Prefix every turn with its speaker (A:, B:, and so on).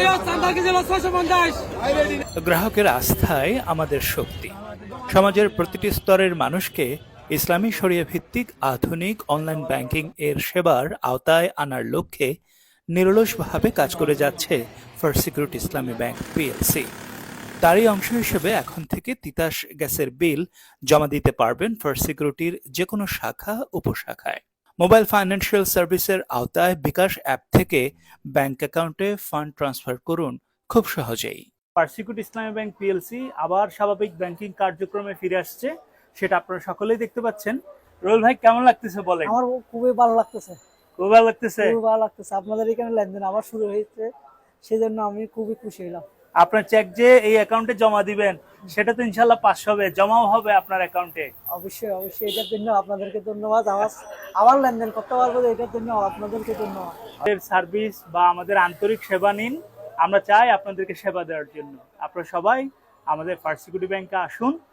A: গ্রাহকের আস্থাই আমাদের শক্তি। সমাজের প্রতিটি স্তরের মানুষকে ইসলামী শরিয়া ভিত্তিক আধুনিক অনলাইন ব্যাংকিং এর সেবার আওতায় আনার লক্ষ্যে নিরলসভাবে কাজ করে যাচ্ছে first security Islami bank PLC. তারই অংশ হিসেবে এখন থেকে তিতাস গ্যাসের বিল জমা দিতে পারবেন ফার্স্ট সিকিউরিটির যেকোনো শাখা উপশাখায়। মোবাইল ফাইন্যান্সিয়াল সার্ভিসের আওতায় বিকাশ অ্যাপ থেকে ব্যাংক অ্যাকাউন্টে ফান্ড ট্রান্সফার করুন খুব সহজেই। First security Islami bank PLC আবার স্বাভাবিক ব্যাংকিং কার্যক্রমে ফিরে আসছে, সেটা আপনারা সকলেই দেখতে পাচ্ছেন। রোল ভাই, কেমন লাগতেছে বলেন?
B: আমার খুবই ভালো লাগতেছে,
A: খুব ভালো লাগতেছে।
B: খুবই ভালো লাগতেছে। আপনাদের এখানে লেনদেন আবার শুরু হয়েছে, সেজন্য আমি খুবই খুশি হলাম।
A: আপনার চেক যে এই অ্যাকাউন্টে জমা দিবেন, সেটা তো ইনশাল্লাহ পাস হবে, জমাও হবে আপনার অ্যাকাউন্টে।
B: অবশ্যই অবশ্যই, এটার জন্য আপনাদেরকে ধন্যবাদ। আবার লেনদেন করতে পারবো, এটার জন্য আপনাদেরকে ধন্যবাদ।
A: আমাদের সার্ভিস বা আমাদের আন্তরিক সেবা নিন, আমরা চাই আপনাদেরকে সেবা দেওয়ার জন্য। আপনারা সবাই আমাদের ফার্স্ট সিকিউরিটি ব্যাংকে আসুন।